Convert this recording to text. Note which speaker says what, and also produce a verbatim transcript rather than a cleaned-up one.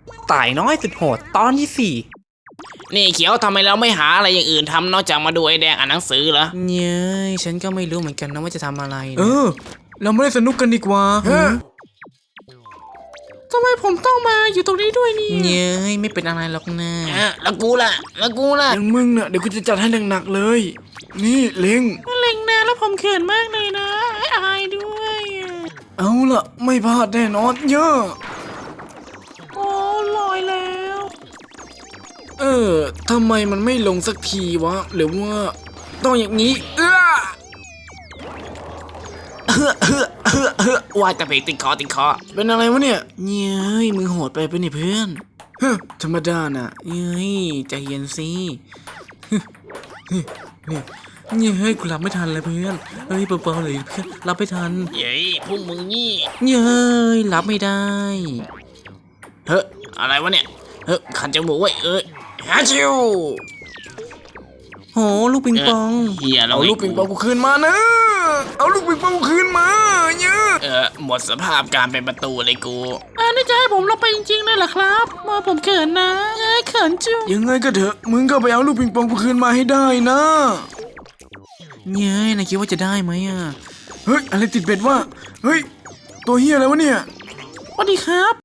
Speaker 1: ตายน้อยสุดโหดตอนที่สี่
Speaker 2: นี่เขียวทำไมเราไม่หาอะไรอย่างอื่นทำนอกจากมาดูไอ้แดงอ่านหนังสือเหรอ
Speaker 1: เย้ยฉันก็ไม่รู้เหมือนกันนะว่าจะทำอะไรนะ
Speaker 3: เออเราไม่ได้สนุกกันดีกว่าทำไมผมต้องมาอยู่ตรงนี้ด้วยนี่
Speaker 1: เย้ยไม่เป็นอะไรหรอกนะ
Speaker 2: เออแล้วกูล่ะแล้วกูล่ะ
Speaker 3: อย่างมึงน่ะเดี๋ยวกูจะจัดให้หนักๆเลย นี่เล็ง
Speaker 1: เล็งนะแล้วผมเขินมากเลยนะอายด้วย
Speaker 3: เอาล่ะไม่พลาดแน่นอนเยอะ
Speaker 1: โอ้ลอยแล้ว
Speaker 3: เออทำไมมันไม่ลงสักทีวะหรือว่าต้องอย่างนี้เออ
Speaker 2: เฮ้อเฮ้อเฮ้อเฮ้อว่าแต่เพลงติดคอติดคอ
Speaker 3: เป็นอะไรวะเนี่ย
Speaker 1: เย้ยมึงโหดไปปะเนี่ยเพื่อน
Speaker 3: เฮ้ยธรรมดาน่ะ
Speaker 1: เย้ยใจเย็นสิเนี่ยเนี่ยเฮ้ยกูรับไม่ทันเลยเพื่อนเฮ้ยเบาๆเลยเพื่อนรับไม่ทัน
Speaker 2: เย้ยพวกมึงนี่
Speaker 1: เย้ยรับไม่ได้
Speaker 2: เฮ้ออะไรวะเนี่ยเฮ้อขันจมูกไว้เอ้ยฮาชิว
Speaker 1: โหลูกปิงปอง
Speaker 2: เฮียเรา
Speaker 3: เอาลูกปิงปองกูคืนมานะเอาลูกปิงปองกูคืนมาเยอะ
Speaker 2: เออหมดสภาพการเป็นประตูเลยกู
Speaker 1: อันนี้จะให้ผมลงไปจริงๆเลยเหรอครับมาผมเขินนะเอ้ยเขินจุ๊
Speaker 3: ยังไงก็เถอะมึงก็ไปเอาลูกปิงปองกูคืนมาให้ได้นะ
Speaker 1: เย้ยนายคิดว่าจะได้ไหมอ่ะ
Speaker 3: เฮ้ยอะไรติดเบ็ดวะเฮ้ยตัวเฮียอะไรวะเนี่ย
Speaker 1: สวัสดีครับ